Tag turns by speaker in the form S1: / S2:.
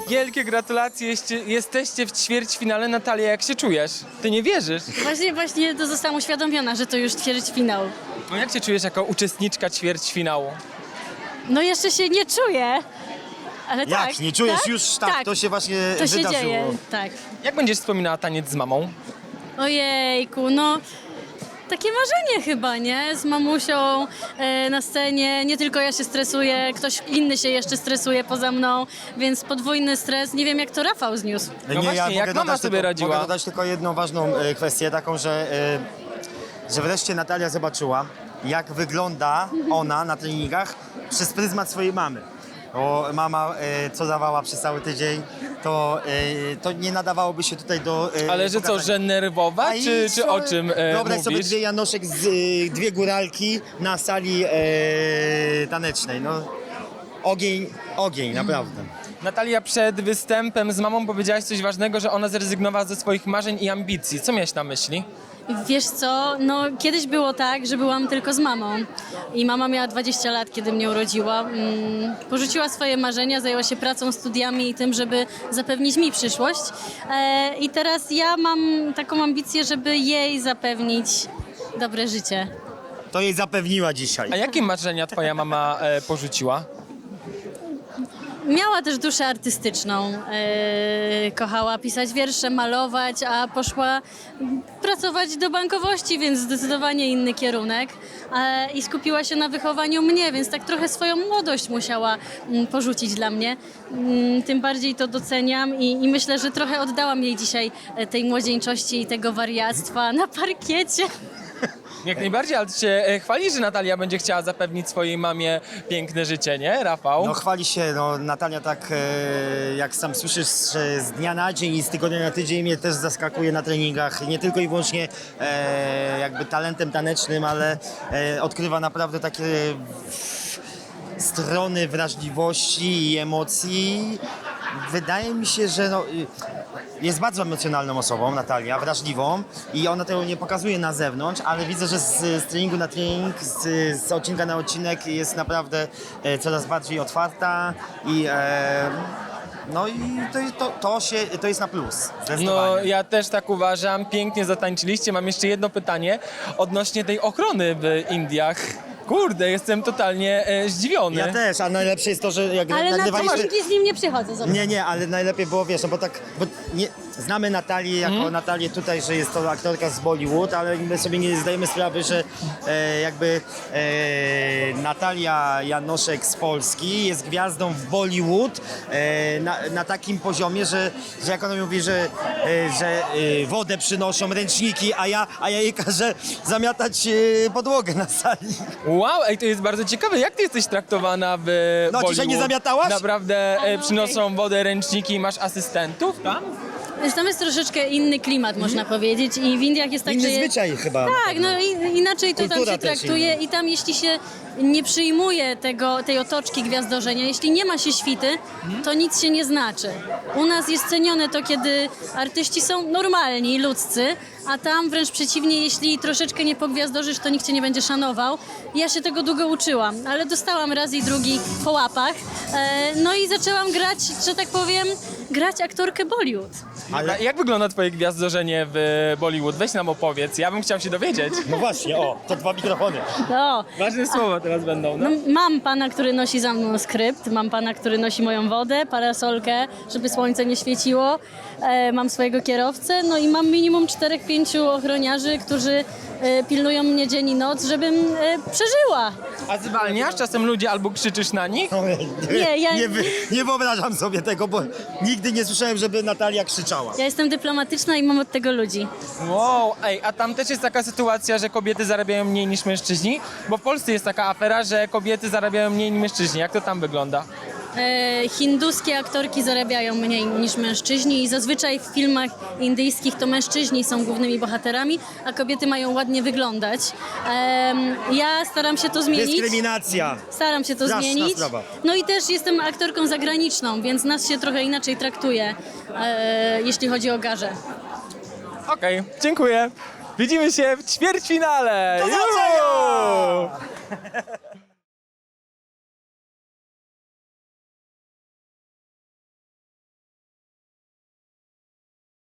S1: Wielkie gratulacje, jesteście w ćwierćfinale. Natalia, jak się czujesz? Ty nie wierzysz?
S2: Właśnie to zostałam uświadomiona, że to już ćwierćfinał.
S1: No jak się czujesz jako uczestniczka ćwierćfinału?
S2: No jeszcze się nie czuję, ale
S3: Jak?
S2: tak.
S3: Nie czujesz
S2: tak?
S3: już? Tak, to się właśnie
S2: To się
S3: wydarzyło.
S2: dzieje, tak.
S1: Jak będziesz wspominała taniec z mamą?
S2: Ojejku, no takie marzenie chyba, nie? Z mamusią na scenie, nie tylko ja się stresuję, ktoś inny się jeszcze stresuje poza mną, więc podwójny stres. Nie wiem, jak to Rafał zniósł.
S1: No właśnie, jak mama sobie radziła?
S3: Mogę dodać tylko jedną ważną kwestię, taką, że wreszcie Natalia zobaczyła, jak wygląda ona na treningach przez pryzmat swojej mamy. Bo mama, co dawała przez cały tydzień, to nie nadawałoby się tutaj do
S1: Ale że co,
S3: pokazania.
S1: że nerwowa,
S3: A i
S1: czy o czym
S3: Wyobraź sobie
S1: mówisz?
S3: dwie Janoszek, dwie góralki na sali tanecznej. No, ogień, naprawdę.
S1: Natalia, przed występem z mamą powiedziałaś coś ważnego, że ona zrezygnowała ze swoich marzeń i ambicji. Co miałeś na myśli?
S2: Wiesz co, no kiedyś było tak, że byłam tylko z mamą i mama miała 20 lat, kiedy mnie urodziła. Porzuciła swoje marzenia, zajęła się pracą, studiami i tym, żeby zapewnić mi przyszłość. I teraz ja mam taką ambicję, żeby jej zapewnić dobre życie.
S3: To jej zapewniła dzisiaj.
S1: A jakie marzenia twoja mama porzuciła?
S2: Miała też duszę artystyczną, kochała pisać wiersze, malować, a poszła pracować do bankowości, więc zdecydowanie inny kierunek. I skupiła się na wychowaniu mnie, więc tak trochę swoją młodość musiała porzucić dla mnie. Tym bardziej to doceniam i myślę, że trochę oddałam jej dzisiaj tej młodzieńczości i tego wariactwa na parkiecie.
S1: Jak najbardziej, ale ty się chwali, że Natalia będzie chciała zapewnić swojej mamie piękne życie, nie, Rafał?
S3: No chwali się, no Natalia tak, jak sam słyszysz, że z dnia na dzień i z tygodnia na tydzień mnie też zaskakuje na treningach. Nie tylko i wyłącznie jakby talentem tanecznym, ale odkrywa naprawdę takie strony wrażliwości i emocji. Wydaje mi się, że jest bardzo emocjonalną osobą, Natalia, wrażliwą i ona tego nie pokazuje na zewnątrz, ale widzę, że z treningu na trening, z odcinka na odcinek jest naprawdę coraz bardziej otwarta i no i to jest na plus, zdecydowanie.
S1: No, ja też tak uważam. Pięknie zatańczyliście. Mam jeszcze jedno pytanie odnośnie tej ochrony w Indiach. Kurde, jestem totalnie zdziwiony.
S3: Ja też, a najlepsze jest to, że jak
S2: Ale na
S3: nagrywaliśmy...
S2: treningi z nim nie przychodzę. Zobacz.
S3: Nie, ale najlepiej było, wiesz, no bo tak, bo nie, znamy Natalię jako Natalię tutaj, że jest to aktorka z Bollywood, ale my sobie nie zdajemy sprawy, że Natalia Janoszek z Polski jest gwiazdą w Bollywood na takim poziomie, że jak ona mówi, że wodę przynoszą, ręczniki, a ja jej każę zamiatać podłogę na sali.
S1: Wow, ej, to jest bardzo ciekawe. Jak ty jesteś traktowana w
S3: No,
S1: Bollywood?
S3: dzisiaj nie zamiatałaś?
S1: Naprawdę przynoszą wodę, ręczniki i masz asystentów tam?
S2: Tam jest troszeczkę inny klimat, można powiedzieć, i w Indiach jest tak,
S3: Inny
S2: że...
S3: zwyczaj chyba.
S2: Tak, no inaczej to tam
S3: Kultura
S2: się
S3: też
S2: traktuje
S3: inna.
S2: i tam jeśli się nie przyjmuje tej otoczki gwiazdorzenia, jeśli nie ma się świty, to nic się nie znaczy. U nas jest cenione to, kiedy artyści są normalni, ludzcy, a tam wręcz przeciwnie, jeśli troszeczkę nie pogwiazdorzysz, to nikt cię nie będzie szanował. Ja się tego długo uczyłam, ale dostałam raz i drugi po łapach, no i zaczęłam grać, że tak powiem, grać aktorkę Bollywood.
S1: Ale jak wygląda twoje gwiazdorzenie w Bollywood? Weź nam opowiedz, ja bym chciał się dowiedzieć.
S3: No właśnie, to 2 mikrofony.
S2: No.
S1: Ważne słowa teraz będą, no.
S2: No, mam pana, który nosi za mną skrypt, mam pana, który nosi moją wodę, parasolkę, żeby słońce nie świeciło, mam swojego kierowcę, no i mam minimum 4-5 ochroniarzy, którzy pilnują mnie dzień i noc, żebym przeżyła.
S1: A zwalniasz czasem ludzi albo krzyczysz na nich?
S2: Nie, ja-
S3: Nie wyobrażam sobie tego, bo nigdy nie słyszałem, żeby Natalia krzyczała.
S2: Ja jestem dyplomatyczna i mam od tego ludzi.
S1: Wow, ej, a tam też jest taka sytuacja, że kobiety zarabiają mniej niż mężczyźni? Bo w Polsce jest taka afera, że kobiety zarabiają mniej niż mężczyźni. Jak to tam wygląda?
S2: Hinduskie aktorki zarabiają mniej niż mężczyźni i zazwyczaj w filmach indyjskich to mężczyźni są głównymi bohaterami, a kobiety mają ładnie wyglądać. Ja staram się to zmienić.
S3: Dyskryminacja.
S2: Staram się to
S3: Straszna
S2: zmienić.
S3: sprawa.
S2: No i też jestem aktorką zagraniczną, więc nas się trochę inaczej traktuje, jeśli chodzi o garze.
S1: Okej, dziękuję. Widzimy się w ćwierćfinale.
S3: Do zobaczenia!
S1: Juhu!